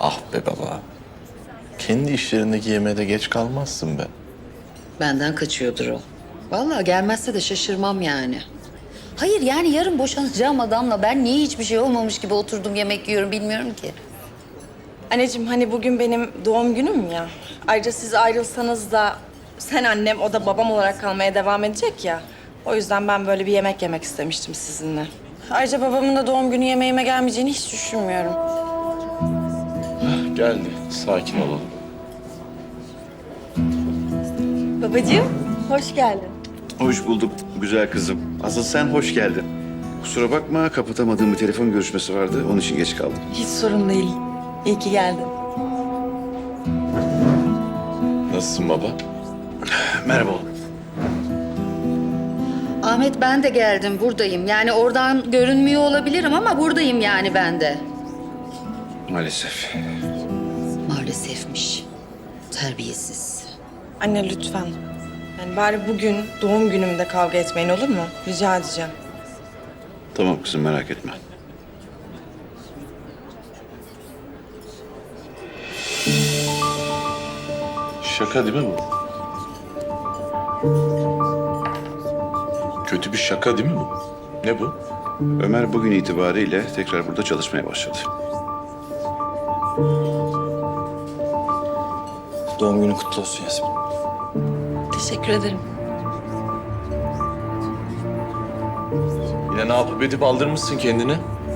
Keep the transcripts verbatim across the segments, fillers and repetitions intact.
Ah be baba. Kendi işlerindeki yemeğe de geç kalmazsın be. Benden kaçıyordur o. Vallahi gelmezse de şaşırmam yani. Hayır yani yarın boşanacağım adamla ben niye hiçbir şey olmamış gibi oturdum yemek yiyorum bilmiyorum ki. Anneciğim hani bugün benim doğum günüm ya. Ayrıca siz ayrılsanız da sen annem o da babam olarak kalmaya devam edecek ya. O yüzden ben böyle bir yemek yemek istemiştim sizinle. Ayrıca babamın da doğum günü yemeğime gelmeyeceğini hiç düşünmüyorum. Geldi. Sakin olalım. Babacığım hoş geldin. Hoş bulduk güzel kızım. Asıl sen hoş geldin. Kusura bakma kapatamadığım bir telefon görüşmesi vardı. Onun için geç kaldım. Hiç sorun değil. İyi ki geldin. Nasılsın baba? Merhaba oğlum. Ahmet ben de geldim buradayım. Yani oradan görünmüyor olabilirim ama buradayım yani ben de. Maalesef. Maalesefmiş. Terbiyesiz. Anne lütfen. Yani bari bugün doğum günümde kavga etmeyin olur mu? Rica edeceğim. Tamam kızım merak etme. Şaka değil mi bu? Kötü bir şaka değil mi bu? Ne bu? Ömer bugün itibariyle tekrar burada çalışmaya başladı. Doğum günün kutlu olsun Yasmin. Teşekkür ederim. Yine ne yapıp edip aldırmışsın kendini?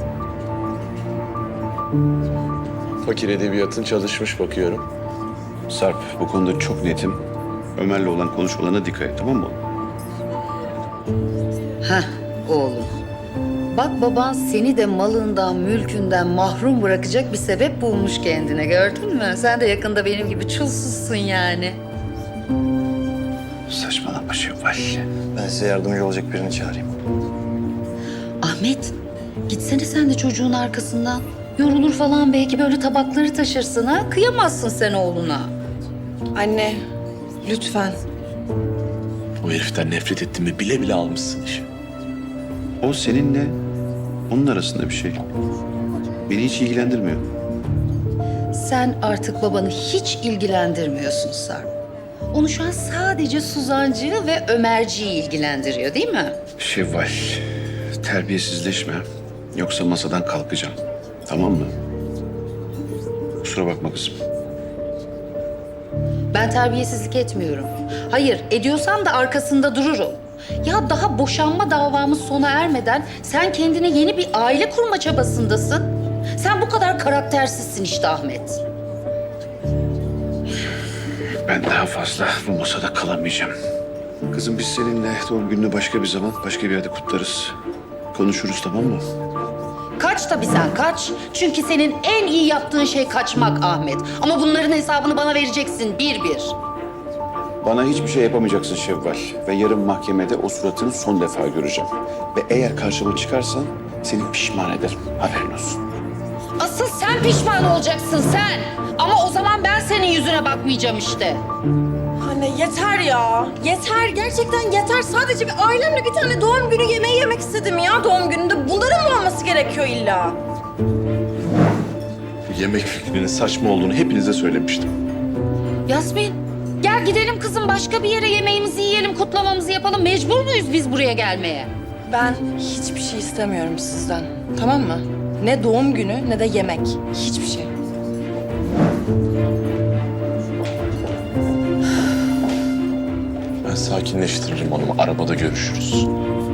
Fakir edebiyatın çalışmış bakıyorum. Sarp bu konuda çok netim. Ömer'le olan konuşmalarına dikkat et tamam mı oğlum? Heh oğlum. Bak baban seni de malından, mülkünden mahrum bırakacak bir sebep bulmuş kendine gördün mü? Sen de yakında benim gibi çulsuzsun yani. Saçmalama Şevval. Ben size yardımcı olacak birini çağırayım. Ahmet gitsene sen de çocuğun arkasından. Yorulur falan belki böyle tabakları taşırsın ha. Kıyamazsın sen oğluna. Anne lütfen. O heriften nefret ettiğimi bile bile almışsın işi. O seninle onun arasında bir şey. Beni hiç ilgilendirmiyor. Sen artık babanı hiç ilgilendirmiyorsun Sarp. Onu şu an sadece Suzancı'yı ve Ömerci'yi ilgilendiriyor değil mi? Şevval terbiyesizleşme. Yoksa masadan kalkacağım. Tamam mı? Kusura bakma kızım. Ben terbiyesizlik etmiyorum. Hayır, ediyorsam da arkasında dururum. Ya daha boşanma davamız sona ermeden sen kendine yeni bir aile kurma çabasındasın. Sen bu kadar karaktersizsin işte Ahmet. Ben daha fazla bu masada kalamayacağım. Kızım biz seninle doğum gününü başka bir zaman, başka bir yerde kutlarız. Konuşuruz tamam mı? Kaç tabii sen kaç. Çünkü senin en iyi yaptığın şey kaçmak Ahmet. Ama bunların hesabını bana vereceksin bir bir. Bana hiçbir şey yapamayacaksın Şevval. Ve yarın mahkemede o suratını son defa göreceğim. Ve eğer karşıma çıkarsan seni pişman ederim. Haberin olsun. Asıl sen pişman olacaksın sen. Ama o zaman ben senin yüzüne bakmayacağım işte. Anne yeter ya. Yeter. Gerçekten yeter. Sadece bir ailemle bir tane doğum günü yemeği yemek istedim ya doğum gününde. Bunların mı olması gerekiyor illa? Yemek fikrinin saçma olduğunu hepinize söylemiştim. Yasmin, gel gidelim kızım başka bir yere yemeğimizi yiyelim, kutlamamızı yapalım. Mecbur muyuz biz buraya gelmeye? Ben hiçbir şey istemiyorum sizden. Tamam mı? Ne doğum günü ne de yemek. Hiçbir şey. Ben sakinleştiririm onu. Arabada görüşürüz.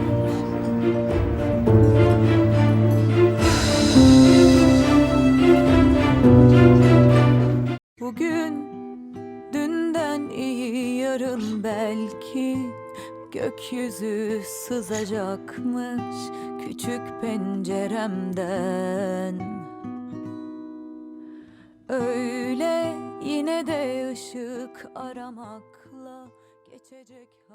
Bugün dünden iyi yarın belki gökyüzü sızacakmış küçük penceremden. Öyle yine de ışık aramakla geçecek.